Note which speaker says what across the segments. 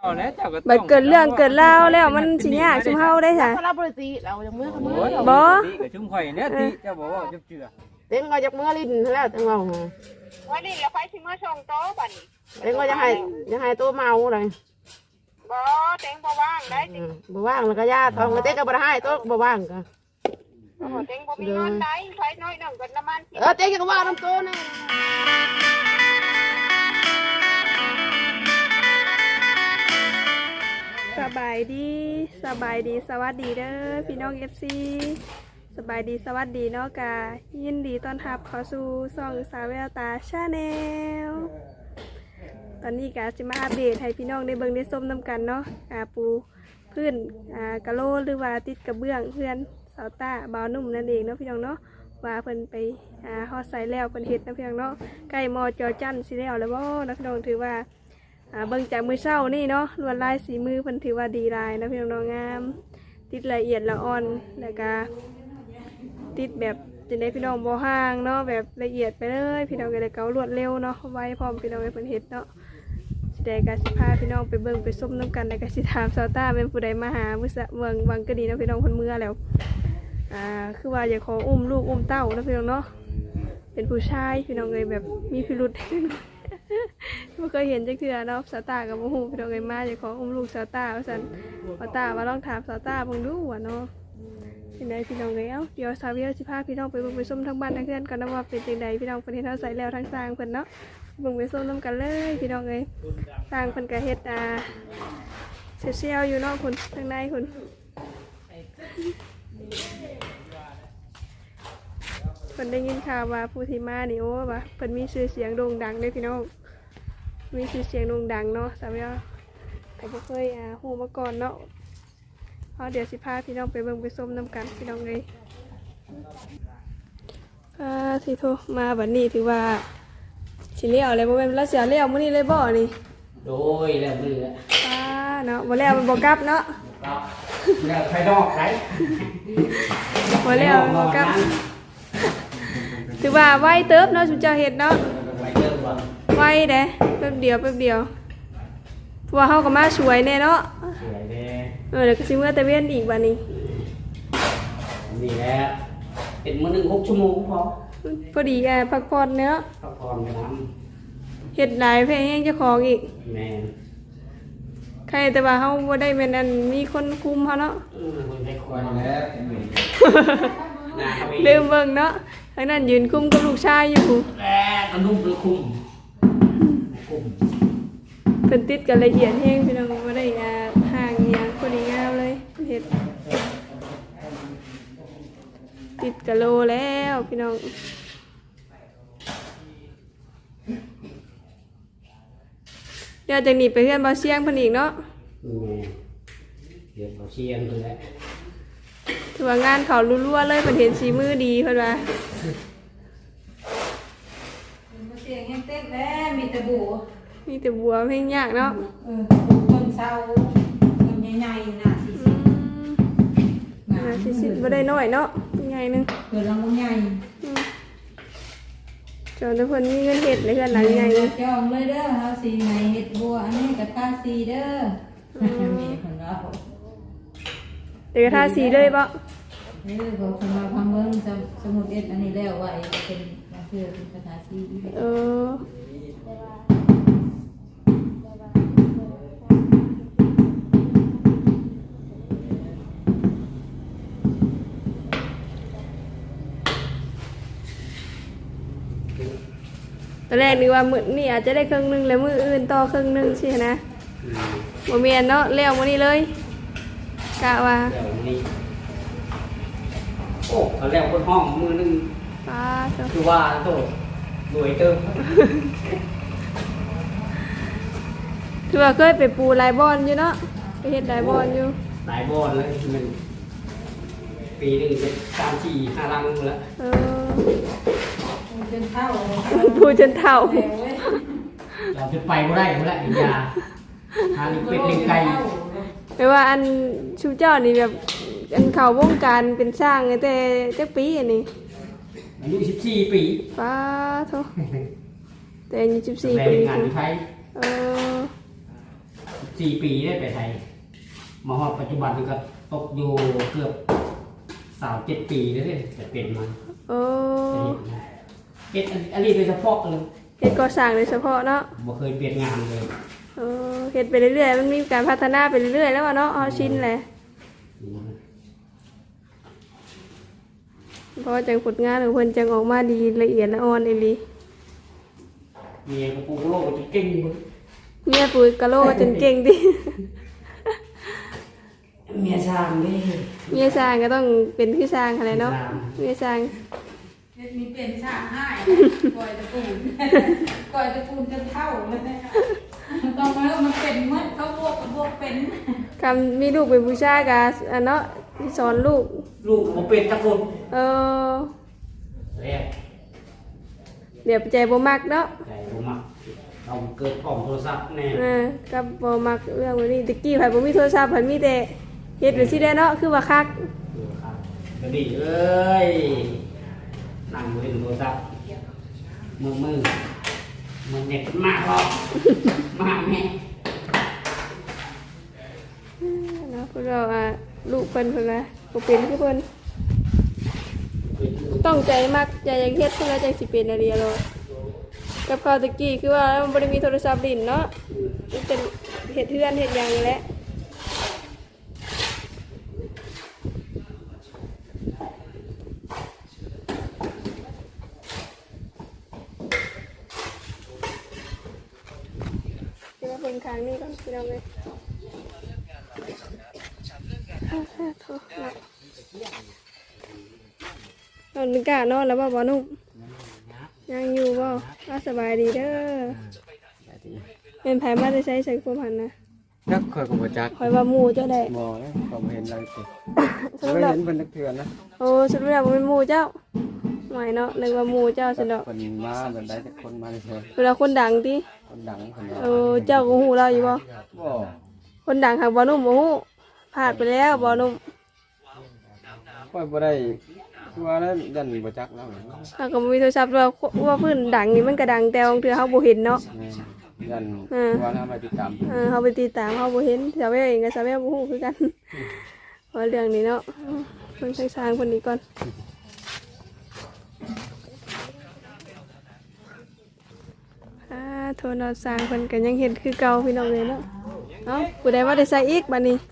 Speaker 1: บัดเกิดเรื่องเกิดราวแล้วมันสิยากซุมเฮาได้ค่ะ
Speaker 2: เราบริตีเราจากเมื่อเมื่อ
Speaker 1: บ่
Speaker 3: ชุ่มข่อยเนี่ยตีเจ้าบอกว่าจะเจือ
Speaker 2: เต็งก็จากเมื่อลิ้นแล้วจังเรา
Speaker 4: วันนี้เราไปชิมเมื่อชงโต๊ะบัดนี้
Speaker 2: เต็งก็จะให้ตัวเมาเลย
Speaker 4: บ่เต็งบ่ว่างได้เต็ง
Speaker 2: บ่ว่างแล้วก็ญาติทองเต็งก็บ่ให้ตัวบ่ว่างก็
Speaker 4: เต็งบ่มีเงินได้ใช้น้อยหนึ่งกันน้ำมัน
Speaker 2: เต็งก็ว่าน้ำตัวนี่
Speaker 1: สบายดีสวัสดีเด้อพี่น้อง FC สบายดีสวัสดีเนาะกะยินดีต้อนรับเข้าสู่ช่องสาวแววตาชาแนลตอนนี้กะจะมาอัปเดตให้พี่น้องได้เบิ่งได้ชมนำกันเนาะปูพื้นกะโลหรือว่าติดกระเบื้องเพื่อนสาวตาบ่าวนุ่มนั่นเองเนาะพี่น้องเนาะว่าเพิ่นไปฮอดใส่แล้วเพิ่นเฮ็ดนะพี่น้องเนาะใกล้มอจอจันสิแล้วแล้วบ่นะพี่น้องถือว่าเบิ่งจากมือเช้านี่เนาะลวดลายสีมือเพิ่นถือว่าดีลายนะพี่น้องงามติดละเอียดละอ่อนแล้วก็ติดแบบจะได้พี่น้องบ่ห่างเนาะแบบละเอียดไปเลยพี่น้องก็เลยเการวดเร็วเนาะไวพร้อมพี่น้องให้เพิ่นเฮ็ดเนาะสิได้ก็สิพาพี่น้องไปเบิ่งไปส้มน้ำกันแล้วก็สิถามซาวต้าเป็นผู้ใดมาหามื้อวังก็ดีเนาะพี่น้องเพิ่นเมื่อแล้วคือว่าอยากขออุ้มลูกอุ้มเต้าเนาะพี่น้องเนาะเป็นผู้ชายพี่น้องเลยแบบมีพิรุธไม่เคยเห็นจักเทื่อเนาะสาวตากับโมโหพี่น้องเลยมาจะขออุ้มลูกสาวตาว่าสันสาวตาว่าลองถามสาวตาเบิ่งดูว่าเนาะเป็นไงพี่น้องเลยเดี๋ยวสาวเวียสิพาพี่น้องไปเบิ่งไปส้มทั้งบ้านทั้งเพื่อนก่อนนะว่าเป็นจังใดพี่น้องเพิ่นเฮ็ดเฮาใส่แล้วทั้งสร้างเพิ่นเนาะเบิ่งไปส้มน้ำกันเลยพี่น้องเลยสร้างเพิ่นก็เฮ็ดเซียวอยู่เนาะคุณทางในคุณเพิ่นได้ยินข่าวว่าผู้ที่มานี่โอ้ว่าเพิ่นมีชื่อเสียงโด่งดังเด้พี่น้องมีชื่อเสียงโด่งดังเนาะสาวเวียแต่บ่เคยฮู้มาก่อนเนาะเดี๋ยวสิพาพี่น้องไปเบิ่งไปส้มน้ำกันพี่น้องเลยสิโทมาบัดนี้ถือว่าสิเลี้ยวอะไรบ่แม่นแล้วเสียเลี้ยวมื้อนี้เลยบ่นี่
Speaker 3: โดยแล้วมือ
Speaker 1: เนาะบ่แล้วมันบ่กลับเนาะ
Speaker 3: แล้วใครดอกใคร
Speaker 1: บ่แล้วมันบ่กลับถือว่าไวเติบเนาะสุเจ้าเฮ็ดเนาะไวเด้แป๊บเดียวเพราะว่าเฮาก็มาสวยแน่เนาะ
Speaker 3: สวยแน่
Speaker 1: แล้วก็สิเมื่อแต่เว้นอีกบัดนี้
Speaker 3: นี่แหละเป็นมื้อนึง6 ชั่วโมง
Speaker 1: พอดีพักผ่อนเนาะ
Speaker 3: พักผ่อนกัน
Speaker 1: เฮ็ดหลายเพลงแฮงเจ้าของอีก
Speaker 3: แม่น
Speaker 1: ใครแต่ว่าเฮาบ่ได้แม่นอันมีคนคุมเฮาเนาะ
Speaker 3: คนได้คอยแล้ว
Speaker 1: ลืมเบิ่งเนาะทางนั้นยืนคุมกับลูกชายอยู่
Speaker 3: กระนุ่มหรือคุม
Speaker 1: เพิ่นติดกันละเอียดแฮงพี่น้องบ่ได้ห่างอีหยังพอดีงามเลยเฮ็ดติดกะโลแล้วพี่น้องเดี๋ยวจากนี้ไปเฮือนบ่เสียงเพิ่นอีกเนาะ
Speaker 3: เดี๋ยวบ่เสียงเพิ่นแหละ
Speaker 1: ถือว่างานเขารัวๆเลยเพิ่นเห็นสีมือดีเพิ่นว่า
Speaker 5: เสียงยังเต้นแล้วมีแต่บั
Speaker 1: วเพลงยากเนาะ
Speaker 5: ต้นเศร้าต้นใหญ่ๆน่ะ
Speaker 1: สิบ่ได้น้อยเนาะใหญ่นึง
Speaker 5: เกิดลำใหญ่
Speaker 1: จนทุกคนมีเงินเฮ็ดในเฮือนหลังใหญ่
Speaker 5: จองเลยเด้อเฮาสีไหนเฮ็ดบัวอันนี้กับทาสีเด้อมีคนว่า
Speaker 1: เดี๋ยวทาสีเลยบ่
Speaker 5: บอกคนมาพังเบิ่งสมุดเอ็ดอันนี้แล้วไว้เป็นเพื่อเป็นทาสี
Speaker 1: ตอนแรกนึกว่ามื้อนี้อาจจะได้ครึ่งนึงแล้วมื้ออื่นต่อครึ่งนึงสินะบ่แม่นเนาะแล้วมื้อนี้เลยกะว่า
Speaker 3: โอ้เขาแล้วคนห้องมือนึงคือว่าโตรวยเติม
Speaker 1: คือว่าเคยไปปูลายบอลอยู่เนาะไปเฮ็ดลายบอลอยู่
Speaker 3: หลายบอลเลยมันปีนึงเป็น3 4 5 ลังแล้ว
Speaker 5: จนเท่า
Speaker 1: ปูจนเท่า
Speaker 3: เราจะไปบ่ได้บ่ละอีกยาหาลิเป็ดลิงไก่
Speaker 1: แปลว่าอันชูเจ้านี่แบบอันเขาวงการเป็นช่างแต่จักปีอันนี้
Speaker 3: อายุ14 ปี
Speaker 1: ป้าโธ่แต่อายุ14 ปี
Speaker 3: งานอยู่ไทย
Speaker 1: ป
Speaker 3: 4 ปีได้ไปไทยมาฮอดปัจจุบันนี่ก็ตกอยู่เกือบ37 ปีแล้วเนี่ยจะเป็นมัน
Speaker 1: โอ้
Speaker 3: เฮ็ดอันนี้โดยเฉพาะเลย
Speaker 1: เฮ็ดก่อสร้างโดยเฉพาะเนาะ
Speaker 3: บ่เคยเปลี่ยนงานเลย
Speaker 1: เฮ็ดไปเรื่อยๆมันมีการพัฒนาไปเรื่อยๆแล้วอะเนาะเอาชินแหละเพราะว่าจังผลงานของเพิ่นจังออกมาดีละเอียดละอ่อนอีหลี
Speaker 3: เมียกับปูโลกจะเก่งเบิด
Speaker 1: เมียปุยกะโลจนเก่งดิ
Speaker 3: เมียช่างนี่
Speaker 1: เมียสร้างก็ต้องเป็นคือสร้างอะไรเนาะเมียสร้าง
Speaker 5: มีเป็นชาให้ก่อยตะปูนก่อยตะปูนจนเท่าเลยต้องมาแล้วมันเป็นเมื่อเขาบวกเป็น
Speaker 1: คำมีลูกเป็นผู้ชายกะอันเนาะที่สอนลูก
Speaker 3: ลูกบ่เป็นจักคน
Speaker 1: เออ
Speaker 3: แรก
Speaker 1: เดี๋ยวใจบ่มักเนาะ
Speaker 3: ใจบ่มักต้องเกิดของโทรศัพท์แน่
Speaker 1: กับบ่มักเรื่องแบบนี้ตะกี้ไผบ่มีโทรศัพท์ไผมีแต่เฮ็ดเป็นสิได้เนาะคือว่าคัก
Speaker 3: ครับก็ดีเอ้ยนั่งเล่นโทรศัพท์มือเน็ตมากหรอกมากแม่
Speaker 1: เนาะพวกเราลูกเพิ่นว่าบ่เป็นคือเพิ่นต้องใจมักใจอยากเฮ็ดเพิ่นแล้วจังสิเป็นอะไรโลดกับเขาวตะกี้คือว่ามันบ่ได้มีโทรศัพท์ลิ้นเนาะมันเป็นเฮ็ดเฮือนเฮ็ดหยังนี่แหละเดี๋ยวเบิ่งทางนี้ก่อนพี่น้องเอ้ยโทษเนาะนอนกะนอนแล้วบ่นุ่มยังอยู่บ่สบายดีเด้อเป็นไผมาได้ใช้ใส่ความหันนะ
Speaker 6: นักคอยกับประจักษ์
Speaker 1: คอยว่าหมู่เจ้าได้
Speaker 6: บ่เลยผมเห็นอะไรสิ
Speaker 1: สรุป
Speaker 6: ไม่
Speaker 1: แล้ว
Speaker 6: เห็นเป็นนักเถื่อนนะ
Speaker 1: โอ้สรุปแล้วบ่เป็นหมู่เจ้าหมายเนาะนึกว่าหมู่เจ้าซั่นดอก
Speaker 6: คนมาแบบได้แต่คนมาเฉย
Speaker 1: เวลาคนดังติ
Speaker 6: คนดังคนนี้
Speaker 1: เจ้าก็ฮู้เราอยู่บ่
Speaker 6: บ่
Speaker 1: คนดังหักบ่นุ่มบ่ฮู้พลาดไปแล้วบ่นุ่ม
Speaker 6: ค่อยบ่ได้คือว่านั้นยันประจักษ์แล้ว
Speaker 1: ถ้าก็บ่มีโทรศัพท์ว่าเพิ่นดังนี่มันก็ดังแต่บางเทื่อเฮาบ่เห็นเนาะ
Speaker 6: ยันว่าทำอะไรติดตาม
Speaker 1: เฮาไปติดตามเฮาบ่เห็นสาวแววเองก็สาวแววบ่ฮู้คือกันเพราะเรื่องนี้เนาะเพิ่นสร้างคนนี้ก่อนโทรนอนสร้างเพิ่นก็ยังเฮ็ดคือเก่าพี่น้องเลยเนาะเอ้าผู้ใดว่าได้ใส่อีกบัดนี้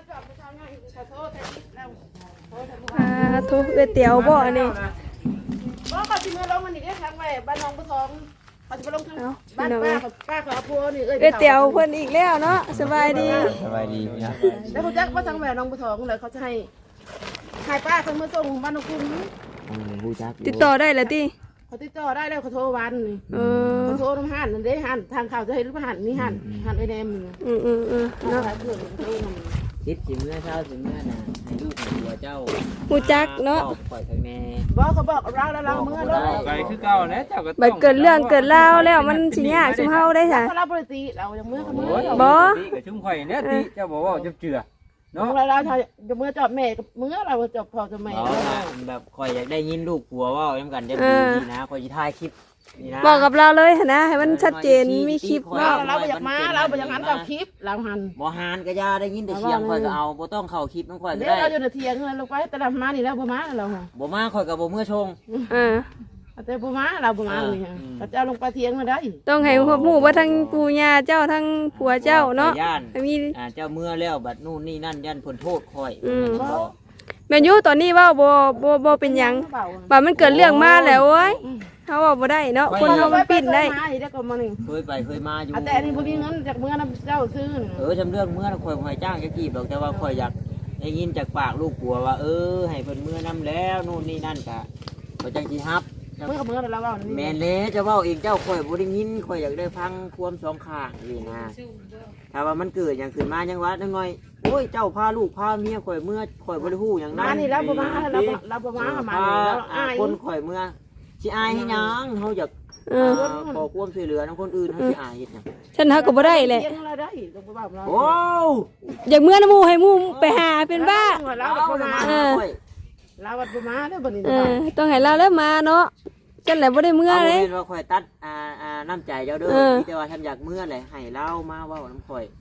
Speaker 1: โทรเอ้ยเตี๋ยวบ่อันนี้
Speaker 2: บ่เขาสิมาลงมันนี่เด้ทางไว้บ้านน้องบ่ทองเขาสิมาลงทาง
Speaker 1: เอ้า
Speaker 2: บ้า
Speaker 1: พี่
Speaker 2: น
Speaker 1: น้อง
Speaker 2: ป้า
Speaker 1: เอ้ย
Speaker 2: กับป้าเขาเอาพัวนี่เอ้ย
Speaker 1: เอ้ยเตี๋ยวเพิ่นอีกแล้วเนาะสบายดี
Speaker 6: สบายดีนะ
Speaker 2: แล้วเขาจักว่าทางแม่น้องบ่ทองเลยเขาจะให้ป้าเขามาส่งบ้านน้องคุณ
Speaker 6: ผู้จัก
Speaker 1: ติดต่อได้แล้วติ
Speaker 2: เขาติดต่อได้แล้วเขาโทรวันนี่
Speaker 1: เออ
Speaker 2: เขาโทรน้ำหันนั่นเด้หันทางเขาจะให้รู้ว่าหันนี่หันไอ้แนมนี่
Speaker 1: เนาะ
Speaker 2: เนาะเพื่อนโทรนำ
Speaker 7: คิดสิเมื่อเช้าสิเมื่อน่ะให้ลูกให้ผัวเจ้า
Speaker 1: ฮู้จักเนาะ
Speaker 7: บอกปล่อยทางแม่
Speaker 2: บอกเขาบอกเราแล้วเราเมื่อเรา
Speaker 6: ไปคือเก่านะเจ้าก็
Speaker 1: บัดเกิดเรื่องเกิดราวแล้วมันสิยากซุมเฮาได้ซะ
Speaker 2: เขาเราบริตีเราอย่างเมื่อเขาเมื่อ
Speaker 1: บ่
Speaker 6: กับชุ่มข่อยเนี่ยติเจ้าบอกว่าจะเจือ
Speaker 2: น้อ
Speaker 6: เนาะ
Speaker 2: งเราจะเมื่อจอบแม่กับเมื่อเราจอบพ่อจะแม่
Speaker 7: เอาล่ะแบบคอยอยากได้ยินลูกผัวเว่าย้ำกันจะดีนี่นะคอยสิถ่ายคลิปนี่นะ
Speaker 1: บอกกับเราเลยหั่นนะให้มันชัดเจนมีคลิป
Speaker 2: เรา
Speaker 1: เนาะ
Speaker 2: เราไปอยากมาเราไปอยากหันกับคลิปเราหัน
Speaker 7: บ่หานก็อย่าได้ยินแต่เสียงคอยก็เอาบ่ต้องเข้าคลิปน้องคอยก็
Speaker 2: เดี๋ยว
Speaker 7: ได้
Speaker 2: เราอยู่ในเทียงเราไปแต่เรามานี่แล้วบ่มาเรา
Speaker 7: บ่มาคอยก็บ่เมื่อชง
Speaker 1: อ่า
Speaker 2: แต่บ่มาเราบ่มานี่เราจะลงไปเทียงมาได้
Speaker 1: ต้องให้ฮู้ว่าทั้งปู่ย่าเจ้าทั้งผัวเจ้าเนาะ
Speaker 7: ย่าน
Speaker 1: มี
Speaker 7: เจ้าเมื่อแล้วบัดนู่นนี่นั่นยันผลโทษคอย
Speaker 1: แม่นอยู่ตอนนี้เว้าบ่เป็นหยังว่ามันเกิดเรื่องมาแล้วโอ้ยเฮาเว้าบ่ได้เนาะคนเฮามันปิ้นได้
Speaker 2: มาอีกแล้วก็มานี่
Speaker 7: เคยไปเคยมาอยู่
Speaker 2: แต่อันนี้บ่มีเงินจากเมื่อน้ำเจ้าซื้อ
Speaker 7: จำเรื่องเมื่อคอยให้จ้างจะกีบหรอกแต่ว่าคอยอยากได้ยินจากปากลูกผัวว่าให้เพิ่นเมื่อนํแล้วนู่นนี่นั่นกะบ่จังสิฮับ
Speaker 2: เมื่อกับเมื่อเราว่า
Speaker 7: แม่นเลยจะเว้าเองเจ้าข่อยบ่ได้ยินข่อยอยากได้ฟังความสองข้างนี่นะถ้าว่ามันเกิดอย่างขึ้นมาจังหวะจังหน่อยโอ้ยเจ้าพาลูกพาเมียข่อยเมื่อข่อยบ่ได้ฮู้หยังนั้น
Speaker 2: มานี่แล้วบ่มาเราบ่มามาแล้วอาย
Speaker 7: คนข่อยเมื่อสิอายให้หยังเฮาอยากขอความช่วยเหลือนำคนอื่นเฮาสิอายเฮ็ดหยัง
Speaker 1: ฉันหาก็บ่ได้แหละ
Speaker 2: เทียงเราได้ต้องบ่เรา
Speaker 7: โอ้
Speaker 1: อยากเมื่อน้ำหมู่ให้หมู่ไปหาเป็นบ้า
Speaker 2: เรา
Speaker 7: เอา
Speaker 2: บ่
Speaker 7: ละ
Speaker 2: มา
Speaker 7: มาข่อย
Speaker 2: เราบ่มาแล้วบัดนี้
Speaker 1: ต้องให้เราแล้วมาเนาะฉันแหละบ่ได้เมื่อ
Speaker 7: เอา
Speaker 1: เลย
Speaker 7: เป็นว่าข่อยตัดน้ำใจเจ้าเด้อ
Speaker 1: เออ
Speaker 7: แต่ว่าท่านอยากเมื่อแหละให้เล่ามาเว้านำข่อย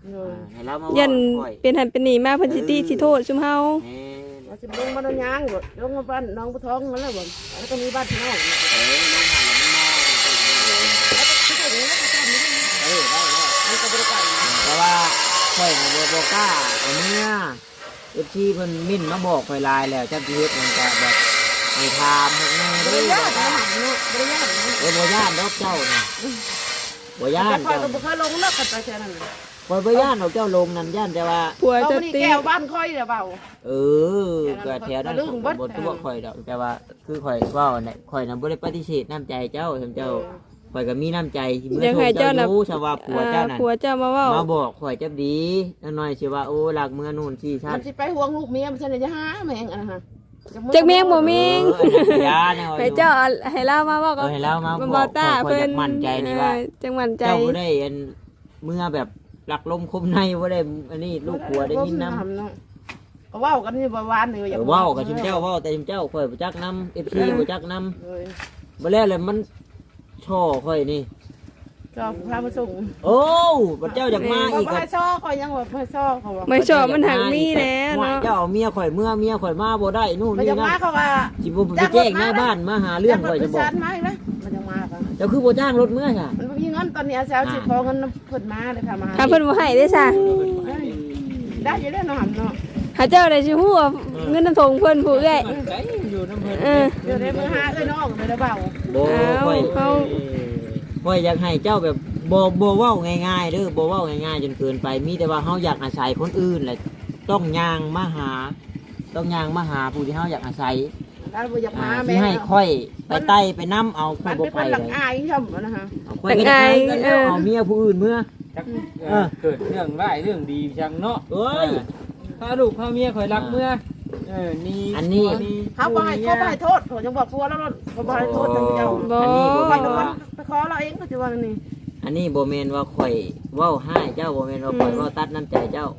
Speaker 2: เลย
Speaker 7: ให้เรามา
Speaker 1: ยั
Speaker 7: เว้าน ค่อย
Speaker 1: เป็นหันเป็นหนีมาเพิ่นสิติสิโทษซุมเฮา
Speaker 7: แม่น
Speaker 2: ว่าสิลงมาโดนยางบ่ลงมาบ้านน้องผู้ท้องมันแล้วบ่แล้วก็มีบ้านพี่น้อง
Speaker 7: เออลงหันแล้วมันมอง เออได้แล้ว
Speaker 2: มันก็บ่ได้ไป
Speaker 7: แต่ว่าข่อยน่ะบ่กล้าเอาเมื่อ FC เพิ่นมิ่นมาบอกข่อยหลายแล้วจักสิเฮ็ดมันก็แบบให้ถามให้แน่
Speaker 2: บ่
Speaker 7: เด้
Speaker 2: ได้
Speaker 7: อย
Speaker 2: าก
Speaker 7: บ่กล้า
Speaker 2: นะเนาะบ่ได้ยากนะ
Speaker 7: บ่ย่านดอกเจ้าน่ะบ่ย่า
Speaker 2: แต่
Speaker 7: น
Speaker 2: คอย
Speaker 7: เจ้า
Speaker 2: ก็บ่เคยลงเลิกกันไปแค่นั้น
Speaker 7: ข่อยบ่ย่านดอกเจ้าลงนั่นย่านแต่ว่า
Speaker 1: ผัว
Speaker 2: เรา
Speaker 1: จะ
Speaker 2: บ่ได้
Speaker 1: ติ
Speaker 2: แก้วบ้านค่อยเด้อเบา
Speaker 7: เออก็แถวนั้น
Speaker 2: ก็ลืมเบิด
Speaker 7: บ่ตัวข่อยดอกแต่ว่าคือข่อยเว้าเนี่ยข่อยน่ะบ่ได้ปฏิเสธน้ำใจเจ้าเจ้าข่อยก็มีน้ำใจเมื่อ
Speaker 1: ยัง
Speaker 7: โท
Speaker 1: ให้
Speaker 7: ษ
Speaker 1: เจ้า
Speaker 7: เจ้า
Speaker 1: น่ะ
Speaker 7: รู้ชาวาผัวเจ้านั่น
Speaker 1: ผัวเจ้ามาเว้า
Speaker 7: มาบอกข่อยจับดีจังหน่อยสิว่าโอ้หลักเมื่อนู่นที่ชา
Speaker 2: มั
Speaker 7: ติ
Speaker 2: นสิไปห่วงลูกเมียมันสิได้จะหาแม่งอันนั้นฮะ
Speaker 1: จักแม่งบ่แม่ง
Speaker 7: เอออันนั้นยาเนี่ย
Speaker 1: ให้เจ้าเอาให้เล่ามาเว้า
Speaker 7: เอ
Speaker 1: ก็
Speaker 7: อให้เรามา
Speaker 1: มัน
Speaker 7: บ
Speaker 1: บ่
Speaker 7: อก
Speaker 1: ตา
Speaker 7: ข่อย
Speaker 1: เพิ่
Speaker 7: อน ยากมั่นใจนี่ว่า
Speaker 1: จังมั่นใจ
Speaker 7: เจ้าบ่ได้อันเมื่อแบบหลักลมคมในบ่ได้อันนี้ลูกผัวได้ยินนำ
Speaker 2: เนาะก็เว้ากันนี่บ่หวานนี่อยาก
Speaker 7: เว้ากับชิมเจ้าเว้าแต่ชิมเจ้าข่อยบ่จักนำ FC บ่จักนำ
Speaker 2: เลย
Speaker 7: บ่แล้วเลยมันช่อข่อยนี่
Speaker 2: ก็พามาส่ง
Speaker 7: โอ้บัดเจ้าอยากมา
Speaker 2: ก็
Speaker 7: อีก
Speaker 2: บ่
Speaker 7: ก็
Speaker 2: ให้ซ้อคอยยังว่าบ่ให้ซ้อเขาว่า
Speaker 1: ไม่ชอบมันหักมีแล้ว
Speaker 7: ว่า
Speaker 1: เนาะ
Speaker 7: เจ้าเอาเมียข่อยเมื่อเมียข่อยมาบ่ได้นู่น
Speaker 2: มัน
Speaker 7: นี่
Speaker 2: จะ
Speaker 7: นั่
Speaker 2: มาน เขาว่า
Speaker 7: สิบ่ไปแจ้งหน้าบ้านมาหาเรื่องข่อยจะบอก
Speaker 2: มาอีกแล้วมันจะมาค่ะ
Speaker 7: เจ้าคือบ่จ้างรถเมื่อค่ะ
Speaker 2: มันบ่มีเงินตอนนี้อาสาวสิขอเงินเพิ่นมาเลยค่ะมา
Speaker 1: ถ้าเพิ่นบ่ให้ได้ซะ
Speaker 2: ได้อยู่แล้วเนาะหำเนาะ
Speaker 1: หาเจ้าได้สิฮู้ว่าเงินน้ำทงเพิ่นผู้เอ้ย
Speaker 7: ใจอยู่น้ำเพิ่น
Speaker 1: เออ
Speaker 2: เดี๋ยวได้มือหาเอ้ยน้องไปแล้วเบา
Speaker 7: บ่ข่อย
Speaker 1: เอา
Speaker 7: ข่อยอยากให้เจ้าแบบบ่เว้าง่ายๆเด้อบ่เว้าง่ายๆจนเกินไปมีแต่ว่าเฮาอยากอาศัยคนอื่นแหละต้องย่างมาหาผู้ที่เฮาอยากอาศัย
Speaker 2: แล้วบ่อยากมา
Speaker 7: ที่
Speaker 2: แม่
Speaker 7: ให้ค่อยไปไต่ไปนํเอาค่
Speaker 2: มั
Speaker 7: อย
Speaker 2: น
Speaker 7: บ่
Speaker 2: เป็น
Speaker 7: ไป
Speaker 2: คนหลั
Speaker 7: เล
Speaker 2: ง
Speaker 7: ย
Speaker 2: อายช่ำนะฮะ
Speaker 7: เอาค่อยก็ได้กันแล้วเอาเมียผู้อื่นเมื่อ
Speaker 6: จักเกิดเรื่องร้ายเรื่องดีจังเนาะ
Speaker 7: เอ้ย
Speaker 6: พาลูกพาเมียข่อยรักเมื่อนี่
Speaker 7: อันนี้
Speaker 2: เขาบ่ให้โทษเขายังบอกกลัวแล้วเขาบ่ให้โทษทางเจ้า
Speaker 1: บ่
Speaker 7: อันนี้บ่
Speaker 2: ไป
Speaker 7: แม่น
Speaker 2: โดน
Speaker 7: ว่า
Speaker 2: ไปขอเราเองก็สิว่านี่
Speaker 7: อันนี้บ่แม่นว่าข่อยเว้าให้เจ้าบ่แม่นว่าข่อยเว้าตัดน้ำใจเจ้า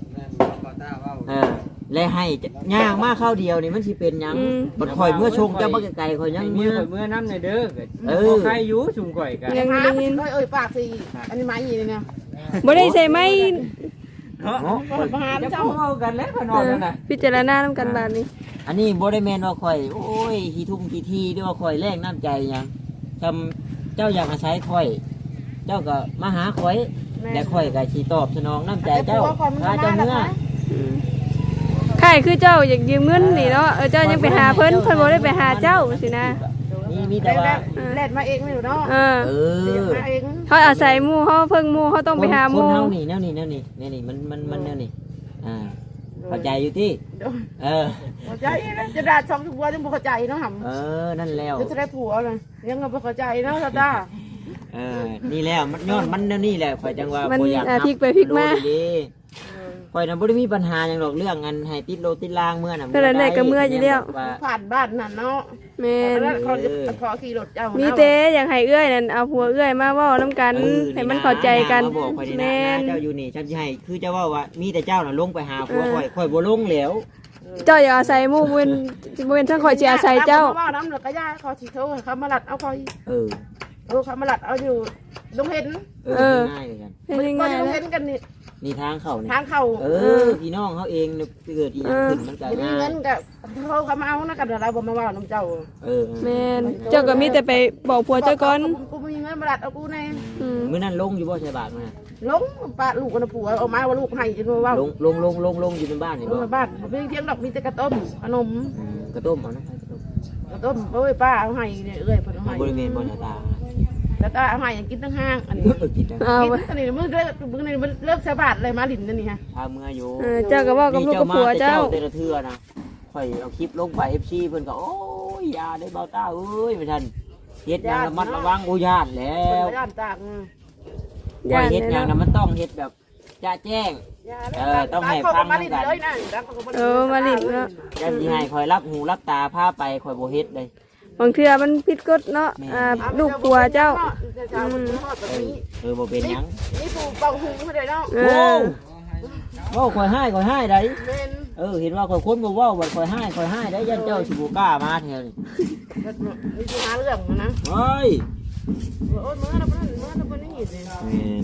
Speaker 7: และให้ย่างมาเข้าวเดียวนี่มันสิเป็นหยังบัดข่อยเมื่อชงเจ้าบ่ไกลๆข่อยยัง
Speaker 6: เมื่
Speaker 7: เมื่
Speaker 6: อ
Speaker 7: อ
Speaker 6: ข่อยเมื่อน้ำในเด้อ
Speaker 7: เออ
Speaker 6: ใครอยู่ชุมข่อยกัน
Speaker 1: ยัง
Speaker 2: หา
Speaker 1: ได้ยิน
Speaker 2: เอ้ยปากสิอันนี้ไม้ยี่นี่เนี่ย
Speaker 1: บ่ได้ใส่ไม้
Speaker 6: เนาะ
Speaker 2: มาหา
Speaker 6: จะ
Speaker 2: เจ้า
Speaker 6: เว้ากันแล้วข่อยนอนแล้วน่ะ
Speaker 1: พิจารณานำกันบาดนี้
Speaker 7: อันนี้บ่ได้แม่นว่าข่อยโอ้ยขี้ทุ่มขี้ทีหรือว่าข่อยแลกน้ำใจหยังทำเจ้าอยากอาศัยข่อย เจ้าก็มาหาข่อยและข่อยก็สิตอบสนองน้ำใจเจ้าพาเจ้าเมื่อ
Speaker 1: ใครคือเจ้าอยากยืมเงินนี่เนาะเจ้ายังไปหาเพิ่นเพิ่นบ่ได้ไปหาเจ้าสินะ
Speaker 7: นี่มีแต่ว่า
Speaker 2: แลดมาเองไม่รู้เนาะ
Speaker 1: เออ
Speaker 7: เออ
Speaker 2: มาเอง
Speaker 1: เขาอาศัยหมู่เขาเพิ่งหมู่เขาต้องไปหาห
Speaker 7: ค
Speaker 1: มู่
Speaker 7: นเฮานี่แนวนี้มันแนวนี้เข้าใจอยู่ที่เออ
Speaker 2: เข้าใจนะจะด่าช่องทุกวันยังบ่เข้าใจเนาะหำ
Speaker 7: เออนั่นแล้ว
Speaker 2: จะได้ผัวเลยยังบ่เข้าใจเนาะซาด้า
Speaker 7: เออนี่แล้วมันย้อนมันแนวนี้แหละข่อยจังว่า
Speaker 1: มัน
Speaker 7: บ่อยาก
Speaker 1: พลิกไปพลิกมา
Speaker 7: ข่อยน่ะบ่ได้มีปัญหาหยังหรอกเรื่องอันให้ติดโลติดลางเมื่อน่ะ
Speaker 1: เท่านั้นแหละก็เมื่ออยู่แล้ว
Speaker 2: ผ่านบ้านนั่นเนาะ
Speaker 1: แม่น
Speaker 2: แล้วเขาขอขี่รถเจ้า
Speaker 1: มี
Speaker 2: มี
Speaker 1: แต่อยากให้เอื้อยนั่นเอาผัวเอื้อยมาเว้านํกันให้มันเข้าใจกัน
Speaker 7: มาบอกข่อยนี่นะ
Speaker 1: แม่น
Speaker 7: เจ้าอยู่นี่ฉันสิให้คือเจ้าว่ามีแต่เจ้าน่ะลงไปหาผัวข่อยบ่ลงแล้ว
Speaker 1: เจ้าอย่าอาศัยหมู่บ่เป็นทั้งข่อยสิอาศัยเจ้า
Speaker 2: ว่าน้ำแล้วก็ย่าเขาสิโทรเขามาลัดเอาคอย
Speaker 7: เออ
Speaker 2: เขามาลัดเอาอยู่ลงเห็น
Speaker 1: เออ
Speaker 7: ง่ายเลยกัน
Speaker 1: เป็น
Speaker 2: มัน
Speaker 1: ยัง
Speaker 2: ก็
Speaker 1: ไง
Speaker 2: จะลง
Speaker 1: ล่ะ
Speaker 2: เห็นกันนี่
Speaker 7: นี่ทางเข้านี่
Speaker 2: ทางเข้า
Speaker 7: เออพี่น้องเขาเองเนี่ยเกิดอีหยังขึ้นมันก็
Speaker 2: มี
Speaker 7: ง่า
Speaker 2: เงิ
Speaker 7: ย
Speaker 2: นกับเขามาเอานะกันเราบ่มาว่าน้ำเจ้า
Speaker 7: เออ
Speaker 1: แม่นเจ้าก็มีแต่ไปบอกผัวเจ้าก่อน
Speaker 2: กูมีเงินมาลัดเอากูแน่
Speaker 1: อืม
Speaker 7: มื้อนั้นลงอยู่บ่ใช่บาทมา
Speaker 2: ลงป้าลูกกันผัวเอามาว่าลูกให้จนว่า
Speaker 7: ลงอยู่ในบ้านนี่บ่
Speaker 2: บ้านมีเพียงดอกมีแต่กระต้มขนม
Speaker 7: กระต้มเอานะกระต้ม
Speaker 2: กระต้มเอ้ยป้าเอาให้เนี่ยเอ้ยเพิ่นเอาให้
Speaker 7: บริเวณบ่ใช่ตา
Speaker 2: แล้วก็เอาให้กินทั้งห้างอันนี้
Speaker 7: กินได้
Speaker 1: เอา
Speaker 2: กิน
Speaker 1: ไป
Speaker 2: อันนี้มึงเลิกสะบาดเลยมาลินนั่นนี่ฮะ
Speaker 7: พาเมื่ออยู่
Speaker 1: เจ้าก็เว้ากับลูกกับผัวเจ้า
Speaker 7: แต่ละเทื่อนะข่อยเอาคลิปลงไป FC เพิ่นก็โอ้ยอย่าได้เบาตาเอ้ยไม่ทันเฮ็ดหยังระมัดระวังอุญาตแล้ว
Speaker 2: ย่านจาก
Speaker 7: ข่อยเฮ็ดหยังน่ะมันต้องเฮ็ดแบบจะแจ้ง
Speaker 2: มาลินเลยนะ
Speaker 1: มาลินเนาะ
Speaker 7: จังสิให้ข่อยรับหูรับตาพาไปข่อยบ่เฮ็ดเลย
Speaker 1: บางเทื่อมันผิดกฎเนาะลูกผัวเจ้า
Speaker 7: บ่เป็นหยัง
Speaker 2: นี่ผูเป่าหูเขาเลยเนาะ
Speaker 1: เอ
Speaker 7: โอ้
Speaker 1: อ
Speaker 7: ข่อยให้ได้
Speaker 2: เป็น
Speaker 7: เห็นว่าข่อยคนบ่เว้าบ่ข่อยให้ได้ยันเจ้าสิบ่กล้ามาแท้นี่
Speaker 2: นี่คือหาเรื่องนะ
Speaker 7: เฮ้ย
Speaker 2: โอ้ยเมื่อเราเพิ่นนี่สิ
Speaker 7: แม่น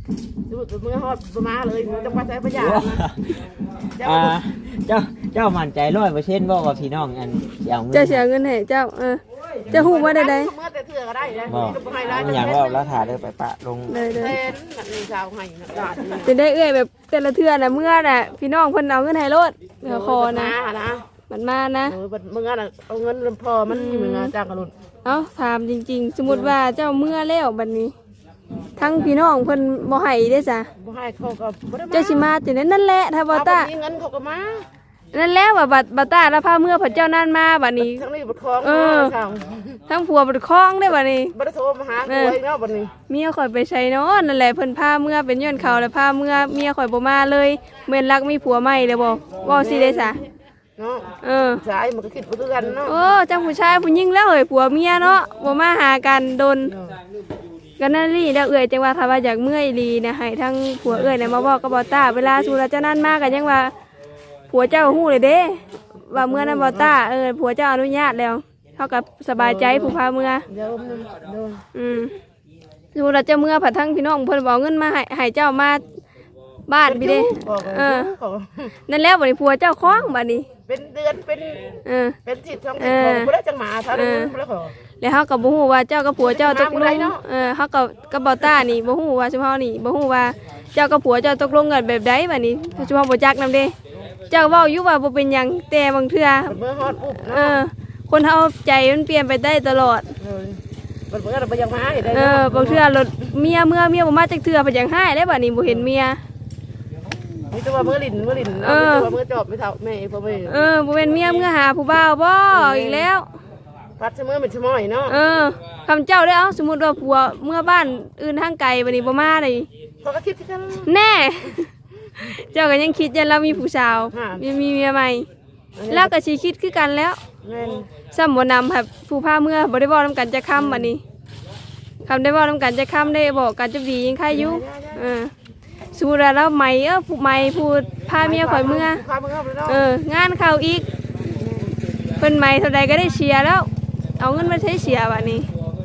Speaker 2: สุดมือฮอดประมาเลยมันจะไปใช้ประหยัดนะ
Speaker 7: อ่าเจ้ามั่นใจ100%บ่ว่าพี่น้องอันสิเอาเงิน
Speaker 1: เจ้าเสียเงินให้เจ้าจะฮู้ว่าได้
Speaker 2: เมื่อแต่เถื่อก็ได้นะ
Speaker 7: บ่
Speaker 2: นี่ก็ให้ร้าน
Speaker 7: อย่างว่าแล้วถ่าเด้อไปปะลง
Speaker 1: เลย
Speaker 2: เต้นแบบนี้ชาวให้นะกาดนี่
Speaker 1: จะได้เอื้อยแบบแต่ละเทื่อน่ะเมื่อน่ะพี่น้องเพิ่นเอาเงินให้โลดเดี๋ยวคอนะ
Speaker 2: นะ
Speaker 1: มันมานะ
Speaker 2: มึงอ่ะเอาเงินพอมันมีมึงจ้างกันลุน
Speaker 1: เอ้าถามจริงๆ สมมุติว่าเจ้าเมื่อแล้วบัดนี้ ทั้งพี่น้องเพิ่นบ่ให้เด้อจ้ะ
Speaker 2: บ่ให้เขาก็บ่ได้มา
Speaker 1: เจ้าสิมาจังได๋นั่นแหละถ้าบ่ตา
Speaker 2: มีเงินเขาก็มา
Speaker 1: นั่นแหละว่าบัดตาแล้วพาเมื่อพระเจ้านั่นมาบัดนี้
Speaker 2: ทั้งนี้บ่คล้องชาว
Speaker 1: ทั้งผัวบ่ได้คล้องได้บัดนี้
Speaker 2: บ่ได้โทรมาหากูอีกแล้วบัดนี้
Speaker 1: เมียข่อยไปใช้เนาะนั่นแหละเพิ่นพาเมื่อเป็นย้อนเขาแล้วพาเมื่อเมียข่อยบ่มาเลยแม่นรักมีผัวใหม่เลยบ่เว้าสิได้ซะ
Speaker 2: เนาะ
Speaker 1: เ
Speaker 2: สายมันก็คิดบ่คือกันเนาะ
Speaker 1: โอ้จังผู้ชายผู้หญิงแล้วเอ้ยผัวเมียเนาะบ่มาหากันโดนกันนั่นลี่แล้วเอ้ยจังว่าถ้าว่าอยากเมื่อยลีนะให้ทั้งผัวเอ้ยน่ะมาบอกกับบ่ตาเวลาสู่แล้วเจ้านั่นมาก็ยังว่าผัวเจ้าฮู้เลยเด้ว่าเมื่อนั้นบ่ตาผัวเจ้าอนุญาตแล้วเฮาก็สบายใจผู้พาเมื่อ
Speaker 2: เดี๋ยวโดน
Speaker 1: สู่แล้วเจ้าเมื่อผัดทั้งพี่น้องเพิ่นบ่เอาเงินมาให้เจ้ามาบ้านพี่เด้นั่นแล้วบัดนี้ผัวเจ้าคล้องบัดนี้
Speaker 2: เป็นเดือนเป็นทิศช่องทิศของบ่ได้จังหมาซะแล้วขอ
Speaker 1: แล้วเฮาก็บ่ฮู้ว่าเจ้ากับผัวเจ้าตกลงเฮากับบ่ต้านี่บ่ฮู้ว่าซุมเฮานี่บ่ฮู้ว่าเจ้ากับผัวเจ้าตกลงกันแบบใดบัดนี้ซุมเฮาบ่จักนำเด้เจ้าเว้าอยู่ว่าบ่เป็นหยังแต่บางเทื่อ
Speaker 2: เมื่อฮอดปุ๊บเนาะ
Speaker 1: คนเฮาใจมันเปลี่ยนไปได้ตลอด
Speaker 2: มันเมื่อเราไปยังมาเห็นได้
Speaker 1: บางเทื่อรถเมียบ่มาจักเทื่อเพิ่นยังหายแล้วบัดนี้บ่เห็นเมีย
Speaker 2: มีตัวเมื่อลินมีตัวเมื่อจอบไม่เท่าแม่พ่อแม่
Speaker 1: บ่เป็นเมียเมื่อหาผู้บ่าวบ่อีกแล้ว
Speaker 2: พัดเสมอเป็นชะม้อยเนาะ
Speaker 1: คำเจ้าได้เอาสมมุติว่าผัวเมื่อบ้านอื่นทางไกลบัดนี้บ่มาเลย
Speaker 2: เขาก็คิดที่กัน
Speaker 1: แน่ เจ้าก็ยังคิดยันเรามีผู้สาวมีเมียใหม่ แล้วก็สิคิดคือกันแล้ว
Speaker 2: แม่น
Speaker 1: ซ้ำบ่นำแบบผู้พาเมื่อบ่ได้เว้านำกันจะค้ำบัดนี้คำได้เว้านำกันจะค้ำได้บอกกันจะดียังใครอยู่สมมุติว่าเราใหม่ผู้ใหม่ผู้พาเมียข่อยเมื่อ
Speaker 2: พาเมื่อไปเนาะ
Speaker 1: งานเข้าอีกเพิ่นใหม่เท่าใดก็ได้เชียร์แล้ว เอาเงินมาใช้เชียร์บัดนี้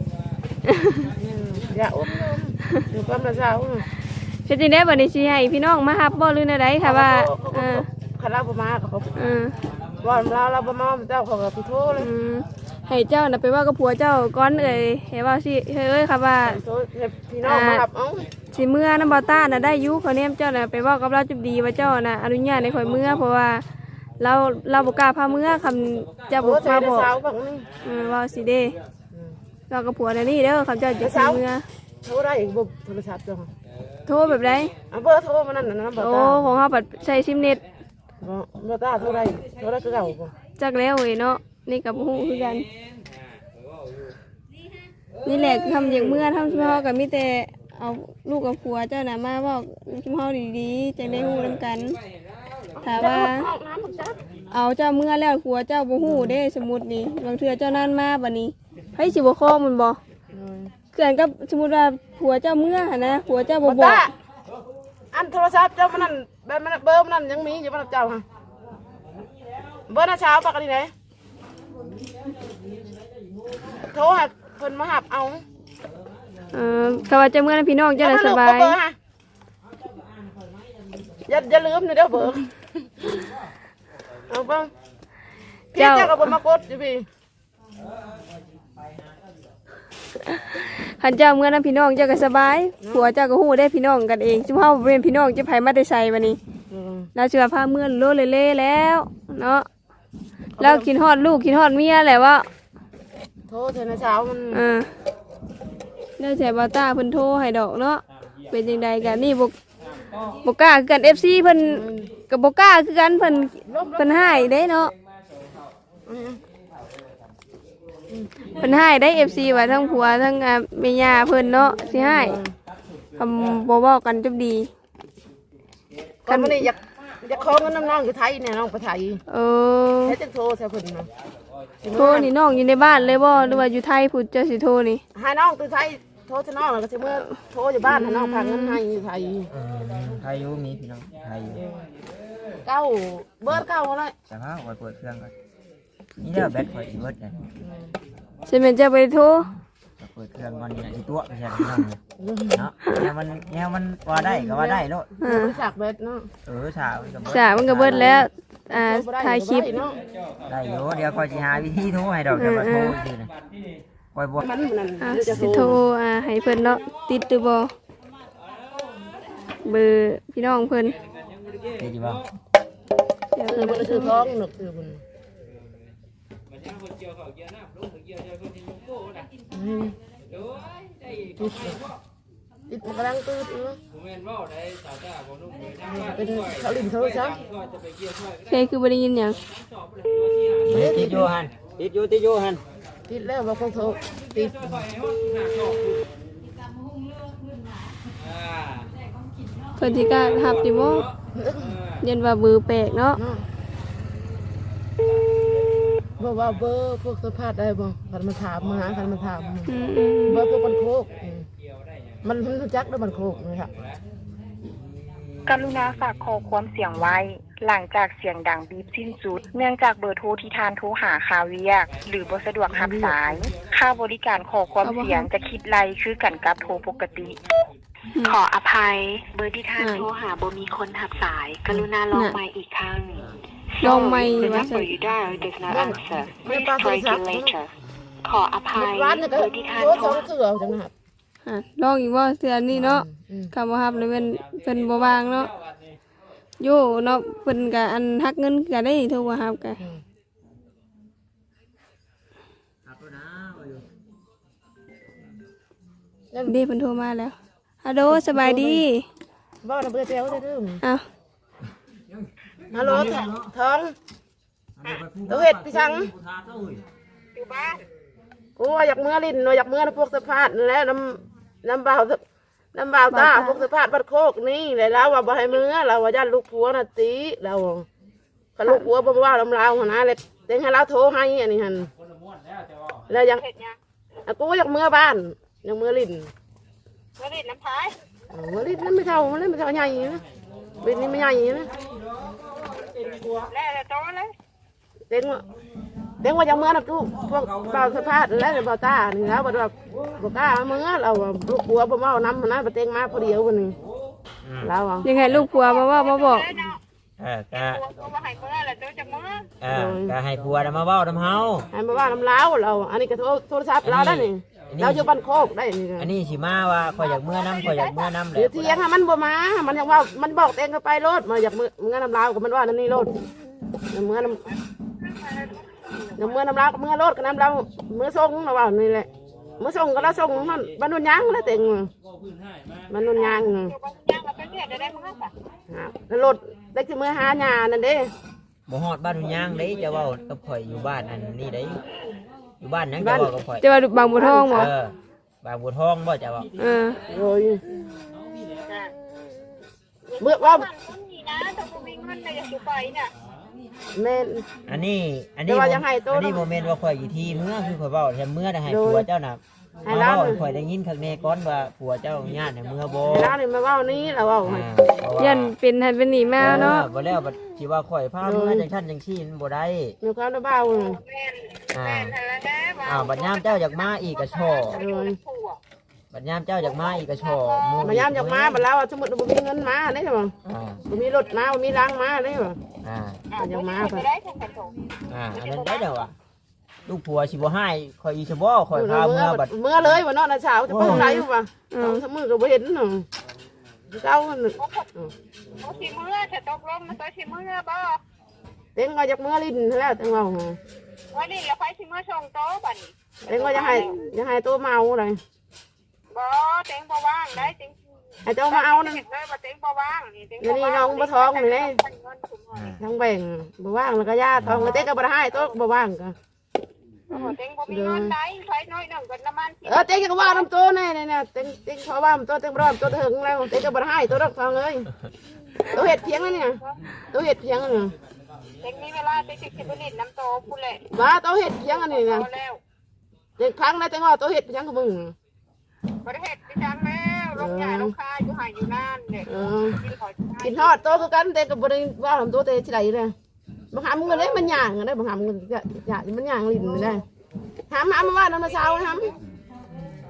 Speaker 2: อย่าอุ้มอยู่กับน้าสาว
Speaker 1: เฮ็ดจังได๋บัดนี้สิให้พี่น้องมารับบ่หรือแนวใดค่ะว่า
Speaker 2: คาราบมาเขาว่าเราบ่มาเจ้าเขาก็โทรเลย
Speaker 1: ให้เจ้าน่ะไปว่ากับผัวเจ้าก่อนเอ้ยให้ว่าสิเอ้ยค่ะว่า
Speaker 2: พี่น้องมารับเอ้า
Speaker 1: สิเมื่อน้ำบ่ต้าน่ะได้อยู่เขาแนมเจ้าน่ะไปเว้ากับเราจุบดีว่าเจ้าน่ะอนุญาตให้ข่อยเมื่อเพราะว่าเราบ่กล้าพาเมื่อคำจะบ่มาบอก
Speaker 2: สาวบักนี่
Speaker 1: ว่าสิเด้เรากับผัวน่ะนี่เด้อคำเจ้าจะสิเมื่อ
Speaker 2: โทรได้อีกบ่โทรศัพท์จัง
Speaker 1: โทรแบบใด
Speaker 2: เบอร์โทรมานั่นน่ะบ่
Speaker 1: โอ้
Speaker 2: ตา
Speaker 1: ของเฮาปัดใช้ซิมเน็ต
Speaker 2: บ่ตาโทรได้คือเก่าบ่
Speaker 1: จักแล้วเว้ยเนาะนี่ก็บ่ฮู้คือกันนี่แหละคือคำอย่างเมื่อทำซุมเฮาก็มีแต่เอาลูกกับผัวเจ้าน่ะมาเว้าซุมเฮาดีๆจังได้ฮู้นำกันถ้าว่าเอาเจ้าเมื่อแล้วผัวเจ้าบ่ฮู้เด้สมมุตินี่บางเทื่อเจ้านั่นมาบัดนี้ไผสิบ่คล้องมันบ่เกินกับสมมุติว่าผัวเจ้าเมื่อหั่นนะผัวเจ้าบ่บอก
Speaker 2: อันโทรศัพท์เจ้ามันนั่นแบบมันเบอร์มันนั่นยังมีอยู่มันเจ้าค่ะเบอร์น่ะเช้าปากกันนี่ไหนโทรหาเพิ่นมาหับเอา
Speaker 1: เขาว่าเจ้าเมื่อนั้นพี่น้องเจ้าน่ะสบาย
Speaker 2: อย่าลืมนะเด้อเบอร์เอาบ้างพี่เจ้าก็บ่มากดอยู่พี่
Speaker 1: คันเจ้าเมื่อนั้นพี่น้องเจ้าก็สบายผัวเจ้าก็ฮู้ได้พี่น้องกันเองซุมเฮาเป็นพี่น้องจะไผมาแต่ไสบัดนี้แล้วสิว่าพาเมื่อโลเล่แล้วเนาะแล้วกินฮอดลูกกินฮอดเมียแหละว่า
Speaker 2: โทรเธอนะเช้ามัน
Speaker 1: ได้แต่บ่ตาเพิ่นโทรให้ดอกเนาะเป็นจังไดกันนี่บ่กล้าคือกัน FC เพิ่นก็บ่กล้าคือกันเพิ่นให้ได้เนาะเพิ่นให้ได้ FC ว่าทั้งผัวทั้งแม่ย่าเพิ่นเนาะสิให้คำบ่เว้ากันจบดี
Speaker 2: กันมื้อนี้อยากขอเงินน้องอยู่ไทยเนี่ยน้องไปไทยให้จังโทรใส่เพิ่นนะ
Speaker 1: โทรนี่น้องอยู่ในบ้านเลยบ่หรือว่าอยู่ไทยพูดเจ้าสิโทรนี่
Speaker 2: ให้น้องตัวไทยโทรจะน้องแล้วก็สิเมื่อโทรอยู่บ้านให้น้องพาเงินให้อยู่ไทย
Speaker 7: ไทยอยู่มีพี่น้องไทยอยู่
Speaker 2: เก้าเบอร์เก้าอะไร
Speaker 7: แต่ว่าไว้เปิดเครื่องก่อนนี่เด้อแบตข่อยสิเบิดเนี่ย
Speaker 1: ใช่แม่นเจ้าไปโทร
Speaker 7: เเปิดเครื่องมันนี่แหละที่ตัวไม่ใช่พี่น้องเนาะแนวมันว่าได้ก็ว่าได้โลด
Speaker 1: อ่า
Speaker 2: บริษัทเบิดเนาะ
Speaker 7: ฉามันก็บ่
Speaker 1: สามันก็เบิดแล้วถ่ายคลิป
Speaker 2: เนาะ
Speaker 7: ได้อยู่เดี๋ยวคอยสิหาวิธีโทรให้ดอกจะมาโทรซื่อนะคอยบ่
Speaker 2: มันนั่น
Speaker 1: สิโทรให้เพิ่นเนาะติดหรือบ่เบอร์พี่น้องเพิ่น
Speaker 7: ได้ดีบ่
Speaker 1: เดี๋ยว
Speaker 2: คือมันคือท้องหนึกคือมันติดมันกำลังตื่นเป็นเขาลิ้นโทรศัพท์
Speaker 1: เพลงคือบ่ได้ยินหยัง
Speaker 7: ติดอยู่หั่นติดอยู่หั่น
Speaker 2: ติดแล้วว่าเขาโทรติด
Speaker 1: เพิ่นสิกล้ารับอยู่บ่ยันว่าเบอร์แปลกเนาะ
Speaker 2: เนาะบอกว่าเบอร์พวกสัมภาษณ์ได้บ่คันมันถามมาหาคันมันถาม
Speaker 1: อืม
Speaker 2: เบอร์พวกมันโคกมันรู้จักแล้วมันโคกนะครับ
Speaker 4: กรุณาฝากขอความเสียงไว้ หลังจากเสียงดังบีบสิ้นสุด เนื่องจากเบอร์โทรที่ทานโทรหาคาเวียก หรือบ่สะดวกรับสาย ค่าบริการขอความเสียงจะคิดไรคือกันกับโทรปกติ ขออภัย เบอร์ที่ทานโทรหาบ่มีคนรับสาย กรุณาลองใหม่อีกครั้ง
Speaker 1: ลองใหม่
Speaker 4: The
Speaker 1: ว่าซั่
Speaker 4: number
Speaker 1: น
Speaker 4: you dialed does not answer. Please try again later. ขออภัย
Speaker 2: ร้านนี่ก็
Speaker 4: เบอร์ที่ทาน
Speaker 2: โทร
Speaker 4: โท
Speaker 2: ส
Speaker 4: ร
Speaker 2: องเถื่อจังนะครับ
Speaker 1: ลองอีกบ่เทื่อนี้เนาะ
Speaker 2: อืม
Speaker 1: คำว่ารับเลยเพิ่นบ่ว่างเนาะอยู่เนาะเพิ่นก็อันหักเงินก็ได้โทรว่ารับก็
Speaker 2: นั่น
Speaker 1: เด้เพิ่นโทรมาแล้วฮัลโหลสบายดี
Speaker 2: บ่นะเบอร์เตียวได้ดื้อ
Speaker 1: อ้าว
Speaker 2: ฮัลโหลท้องตัวเห็ดพี่ชัง
Speaker 4: อยู่บ้าน
Speaker 2: กูว่าอยากเมื่อลิ้นอยากเมื่อพวกสะพานแล้วน้ำเบาตาพวกสะพานบัดโคกนี่เลยแล้วว่าบ่ให้เมื่อเราว่าญาติลูกผัวน่ะตีเราคันลูกผัวบ่ว่าลำลาวหั่นนะเลยเต็งให้เราโทรให้อันนี้หั่นแล้วยัง
Speaker 4: เห็ดยัง
Speaker 2: กูอยากเมื่อบ้านอยากเมื่อลิ้น
Speaker 4: เมื่อรีดน้ำพาย
Speaker 2: เมื่อลิ้นนั่นไม่เท่ามันไม่เท่าใหญ่นะลิ้นนี่ไม่ใหญ่นะ
Speaker 4: แล้วแต่โตเลย
Speaker 2: เต็งว่าจะเมื่อนะกูพวกเบาสะพานแล้วเบาตานี่แล้วแบบบ่กล้าเมื่อเราลูกผัวบ่เมาน้ำมันนะไปเต็งมาพอเดียววันนี้แล้วอ่ะ
Speaker 1: ยังไงลูกผัวมาว่ามาบอก
Speaker 4: เนาะ
Speaker 7: ก็
Speaker 4: ตัวมาให้เมื่อแล้วตัวจะเมื่อ
Speaker 7: ก็ให้ผัวน่ะมาเว้านำเฮา
Speaker 2: ให้มาว่าน้ำเล้าเราอันนี้ก็โทรศัพท์เราได้นี่เราอยู่บ้านโคกได้นี่
Speaker 7: อันนี้สิมาว่าข่อยอยากเมื่อน้ำข่อยอยากเมื่อน้ำแห
Speaker 2: เดี๋ย
Speaker 7: ละ
Speaker 2: วเที่ยงมันบ่มามันยังว่ามันบอกเต็งก็ไปรถมาอยากเมื่อน้ำเล้ากับมันว่านั่นนี่รถเมื่อน้ำเมื่อน้ำเล้ากับเมื่อรถกับน้ำเล้าเมื่อส่งเราว่านี่แหละเมื่อส่งก็เราส่งนั่นบ้านนุ่นยางแล้วเต็งบ้านนุ่นยาง
Speaker 4: อยู่บ้านย่างมาเป็นเดือนได้เมื่อสัก
Speaker 2: แล้วรถได้คือเมื่อหาหญ้านั่นเด้
Speaker 7: บ่ฮอดบ้านหุ่นยางเด้จะเว้ากับข่อยอยู่บ้านอันนี้เด้อยู่บ้านหยังจะเว้ากับข่อย
Speaker 1: จะว่าบางบัวทองบ่
Speaker 7: บางบัวทองบ่จะเว้า
Speaker 2: โอ้ยเมื่อว่า
Speaker 4: บ้านคนนี้นะแต่ผมมีเงินในอยากอยู่ไปเนี่ย
Speaker 2: แม่น
Speaker 7: อันนี้
Speaker 2: แต่ว่ายังให้โต
Speaker 7: อันนี้โมเมนต์ว่าข่อยอยู่ที่เมื่อคือข่อยเว้าแต่เมื่อได้ให้ผัวเจ้าน่ะ
Speaker 2: ให้
Speaker 7: มา
Speaker 2: เรา
Speaker 7: เว้าให้ข่อยได้ยินข้างในก่อนว่าผัวเจ้าญาติเนี่ยเมื่อบ่
Speaker 2: ร้านนี่มาว่านี้เราว่า
Speaker 1: ยันเป็นหันเป็นหนีมาเนาะ
Speaker 7: บ่แล้วบัดสิว่าข่อยพาเมื่อจังซั่นจังซี่มันบ่ได้
Speaker 2: มีความระเบ้า
Speaker 4: แม่น
Speaker 7: อ่า
Speaker 4: แม่นแล้วแน่ว่า
Speaker 7: อ้าวบัดยามเจ้าอยากมาอีกก็ช่อ
Speaker 2: เลย
Speaker 4: ผัว
Speaker 7: บัดยามเจ้าอยากมาอีกก็ช่อห
Speaker 2: มายามจากมาบัดแล้วสมมติบ่มีเงินมาได้บ่
Speaker 7: อ่า
Speaker 2: บ่มีรถมาบ่มีล้างมาได้บ่
Speaker 7: อ่า
Speaker 2: อยากมา
Speaker 4: ไปได้ทั้งกันโถ
Speaker 7: อันนั้นได้เด้อว่ะลูกผัวสิบ่ให้ข่อยอีสิบ่ข่อยพาเมื่อบัด
Speaker 2: เมื่อเลยบ่เนาะนะเช้าจะไปทางไหนบ่สมือก็บ่เห็นเนาะเจ้า
Speaker 4: เขาสิเมื่อจะตกลงมันตัวสิเมื่อบ่
Speaker 2: เต็งว่าจากเมื่อลิ้นแล้วจังว่า
Speaker 4: วันนี้เราไปสิเมื่อส่งโต๊ะบัดนี้
Speaker 2: เต็งว่าจะให้ตัวเมาเลย
Speaker 4: บ่เต็งบ่ว่างได้เต็ง
Speaker 2: ให้เจ้ามาเอานั่น
Speaker 4: เลยบ่เต็งบ่ว่างนี่เต็ง
Speaker 2: นี่น้องบ่ท้องนี่เด้
Speaker 4: เงินถุงห่อ
Speaker 2: ทั้งแบ่งบ่ว่างแล้วก็ญาติทองเต็งก็บ่ให้ตัวบ่ว่างก็
Speaker 4: เต็งบ่มีเงินได้ใช้น้อยหนึ่งกันน้ำมัน
Speaker 2: เต็งก็ว่าน้ำตัวแน่เนี่ยเต็งเขาว่าตัวเต็งร้อนตัวถึงแล้วเต็งก็บ่ให้ตัวดอกทองเลยตัวเห็ดเพียงนั่นเนี่ยตัวเห็ดเพียงนั่นเนี่ย
Speaker 4: เต็งมีเวลาเต็งสิบลิตรน้ำโตพูดเลย
Speaker 2: ว่าตัวเห็ดเพียงอันนี้นะ
Speaker 4: เอาแล้ว
Speaker 2: เต็งครั้งได้เต็งว่าตัวเห็ดเพียงกับมึง
Speaker 4: ประเทศดิฉันแล้วลงใหญ่ลงคาอยู่ห่างอยู่นานเด็ก
Speaker 2: กินทอดตัวคือกันเต็งก็บ่ได้ว่าทำตัวเต็งที่ไหนเลยบางหามเงินเลยมันย่างได้บางหามเงินมันย่างลิ้นได้หามมาว่าน้ำมาเช้าหาม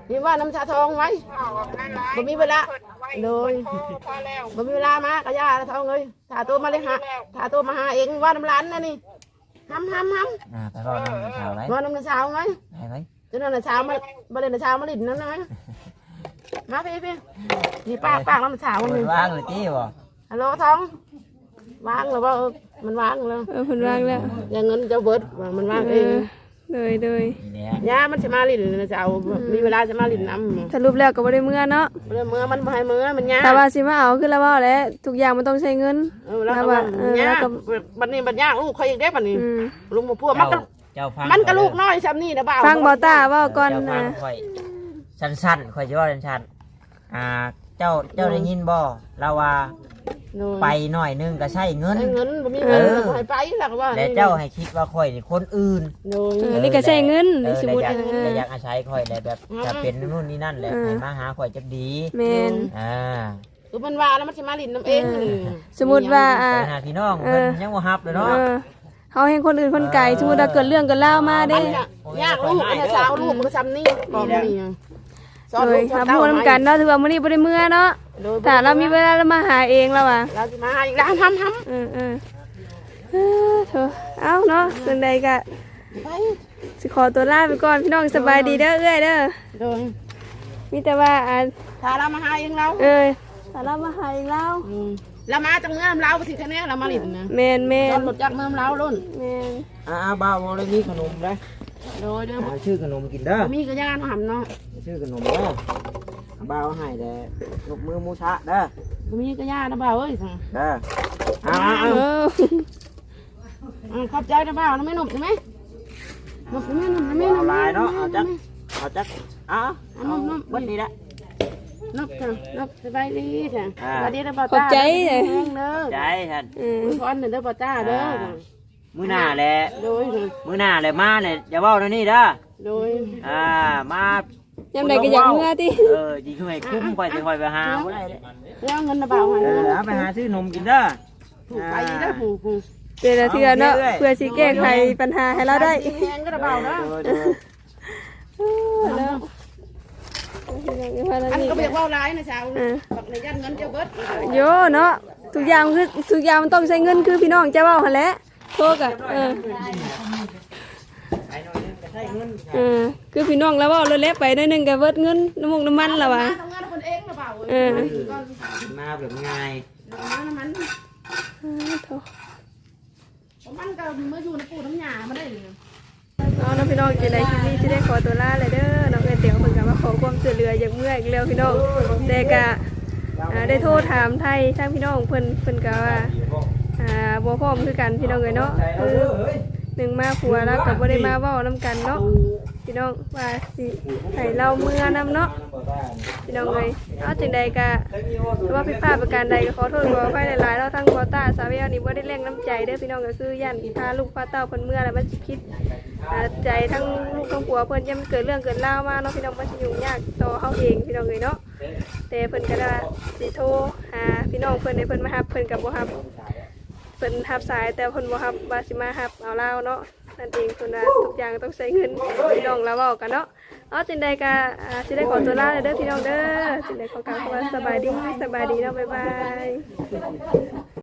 Speaker 2: นี่ว่าน้ำชาทองไว้บ่มีเวลาเลยบ่มีเวลามากระยาทองเลยถ้าตัวมาเลยหาถ้าตัวมาหาเองว่าน้ำร้านนะนี่ห้ำ
Speaker 7: ไปรอน้ำเช้าไหม
Speaker 2: ว่าน้ำเช้าไหม
Speaker 7: ไป
Speaker 2: จนน้ำเช้ามาเลยน้ำเช้ามาลิ้นนั่นนะมาพี่นี่ปากน้ำเช้า
Speaker 7: เปิ
Speaker 2: นี่
Speaker 7: ดว่างเลยจี้บ่
Speaker 2: ฮัลโหลทองวางหรือว่ามันวางแล้ว
Speaker 1: เพิ่นวางแล้ว
Speaker 2: อย่างเงินจะเบิดมันวางเอง
Speaker 1: เลย
Speaker 7: นี่แหละ
Speaker 2: ย่ามันจะมาลิ้นนะจะเอามีเวลาจะมาลิ้นน้ำ
Speaker 1: สรุปแล้วก็บ่ได้เมื่อเนาะ
Speaker 2: เมื่อมันบ่ให้เมื่อมันยาก
Speaker 1: แต่ว่าสิมาเอาคือแล้วว่าแหล้วทุกอย่างมันต้องใช้เงิน
Speaker 2: แล้วก็ยากบัดนี้บัดยากลูกเขาอีกได้บัดนี้
Speaker 1: อืม
Speaker 2: ลุงมาพูดมันก็
Speaker 7: เจ้าฟัง
Speaker 2: มันก็ลูกน้อยซ้ำนี่นะบ่าว
Speaker 1: ฟังบ่ตาเว้าก่อน
Speaker 7: เจ้าฟั
Speaker 1: นะ
Speaker 7: งค่อยสั้นๆค่อยจะว่าสั้นๆเจ้าได้ยินบ่เราว่าไปหน่อยนึงก็ใช้เงิน
Speaker 2: เงินบ่มีเงินบ่ให้ไปหลักว่า
Speaker 7: และเจ้าให้คิดว่าค่อยนี่คนอื่น
Speaker 1: นี่ก็ใช้เงินสมมุติ
Speaker 7: และอยากอาศัยค่อยและแบบจะเป็นนู่นนี่นั่นแหละให้มาหาค่อยจะดี
Speaker 1: แม่น
Speaker 2: คือมันว่าแล้วมันสิมาลิ้นน้ำเองนี่
Speaker 1: สมมุติว่า
Speaker 7: ไปหาพี่น้องเพิ่นยังบ่ฮับเลยเนาะ
Speaker 1: เฮาเห็นคนอื่นคนไกลสมมุติว่าเกิดเรื่องเกิดราวมาเด้
Speaker 2: ยากลูกอันสาวลูกมันก็ซ้ำนี่บอกนี่สอน
Speaker 1: โด
Speaker 2: ลู
Speaker 1: ย
Speaker 2: ก
Speaker 1: ถ้าพูดนำกันเนาะถือว่ามื้อนี้บ่ได้เมื่อเนาะถ้าเรามีเวลาเรามาหาเองแล้วอ่ะ
Speaker 2: เราสิมาอีกแล้วทำ
Speaker 1: เถอะเอ้าเนาะจังใดก็
Speaker 2: ไป
Speaker 1: สิขอตัวลาไปก่อนพี่น้องสบายดีเด้อเอ้ยเด้อ
Speaker 2: โดย
Speaker 1: มีแต่ว่า
Speaker 2: ถ้าเรามาหาเองเรา
Speaker 1: ถ้าเรามาหาเองแล้ว
Speaker 2: เรามาจากเมืองเราสิคะแนนเรามาลิ้นนะ
Speaker 1: แม่น
Speaker 2: จอดรถจากเมืองเราลุ่น
Speaker 1: แม่น
Speaker 7: บ่าวบ่ได้มีขนมเด้
Speaker 2: โดยเด้อ
Speaker 7: ชื่อขนมกินเด้อ
Speaker 2: มีกระยานหำเนาะ
Speaker 7: ชื่อขนมเด้อบ่าวให้แต่ยกมือมูชะเด้อ
Speaker 2: มีกระยานะบ่าวเอ้ย
Speaker 7: เด้อเอา
Speaker 2: ขอบใจนะบ่าวนะไม่หนุกใช่ไหมหนุกไม่หนุกไม่หนุ
Speaker 7: เอา
Speaker 2: ก
Speaker 7: ลายเนาะเอาจักเอาเบิดนี่ละ
Speaker 2: นกค่ะนกสบายดีจ้ะสวัสดีนะบ่าว
Speaker 1: ขอบใจ
Speaker 2: เด้
Speaker 1: เลย
Speaker 2: อ
Speaker 7: ใจท่าน
Speaker 2: ขออันหนึ่งเด้อบ่าวจ้าเด้อ
Speaker 7: มื้อหน้าแหละ
Speaker 2: โดย
Speaker 7: มื้อหน้าแหละมาเนี่ยอย่าเว้าเดี๋ยวนี้เด้อ
Speaker 2: โดย
Speaker 7: มาย
Speaker 1: ามใดก็อยากเมื่อติ
Speaker 7: ยิงให้คุ้มก่อนสิค่อยไปหาบ่ได้เด้
Speaker 2: แล้วเงินนะบ่าวให้
Speaker 7: เอาไปหาซื้อนมกินเด้อ
Speaker 2: ถูกไปเด้อผูก
Speaker 1: เดี๋ยวเทื่อเนาะเพื่อสิแก้ไขปัญหาให้เราได้
Speaker 2: แพงก็นะบ่าวนะอันก็เบียกว่าร้ายนะชาวบักในยันเงินเจ้าเบิด
Speaker 1: โยเนาะทุกอย่างมันต้องใช้เงินคือพี่น้องจะเว้าหั่นแหละโทษอ่ะคือพี่น้องแล้วเว้าเลยแลไปหน่อยนึงก็เบิดเงินน้ำมันแล้วว่ะ
Speaker 2: ทำงานคนเองนะบ่าว
Speaker 7: มาแบบง่าย
Speaker 2: มันก็มาอยู่ในปูน้ำยามาได้เลย
Speaker 1: น้องพี่น้องจะได้คลิปนี้จะได้ขอตัวลาเลยเด้อน้องเอ๋ยเตี๋ยวเพิ่นก็มาขอความช่วยเหลืออย่างเมื่อยอีกแล้วพี่น้องแต่ก็ได้โทรถามไทยทางพี่น้องเพิ่นก็ว่าบ่พร้อมคือกันพี่น้องเอ้ยเนาะคือหนึ่งมาผัวแล้วก็บ่ได้มาเว้านํกันเนาะพี่น้องว่าสิให้เราเมื่อนํเนาะพี่น้องเอ้ยเอาจังใดก็ว่าผิดพลาดประการใดก็ขอโทษขออภัยหลายๆเราทั้งบอต้าสาวเวลนี่บ่ได้แรงน้ำใจเด้อพี่น้องก็คือย่านพาลูกพาเต้าเพิ่นเมื่อแล้วมันสิคิดใจทั้งลูกทั้งผัวเพิ่นยังเกิดเรื่องเกิดราวมาเนาะพี่น้องมันสิยุ่งยากต่อเฮาเองพี่น้องเอ้ยเนาะแต่เพิ่นก็ได้สิโทรหาพี่น้องเพิ่นให้เพิ่นมารับเพิ่นก็บ่รับเพิ่นรับสายแต่เพิ่นบ่รับว่าสิมารับเอาเราเนาะนั่นเองเพิ่นว่าทุกอย่างต้องใช้เงินพี่น้องแล้วเว้ากันเนาะเอาจังใดก็สิได้ขอตัวลาเลยเด้อพี่น้องเด้อจังใดขอกล่าวคำว่าสบายดีเนาะบ๊ายบาย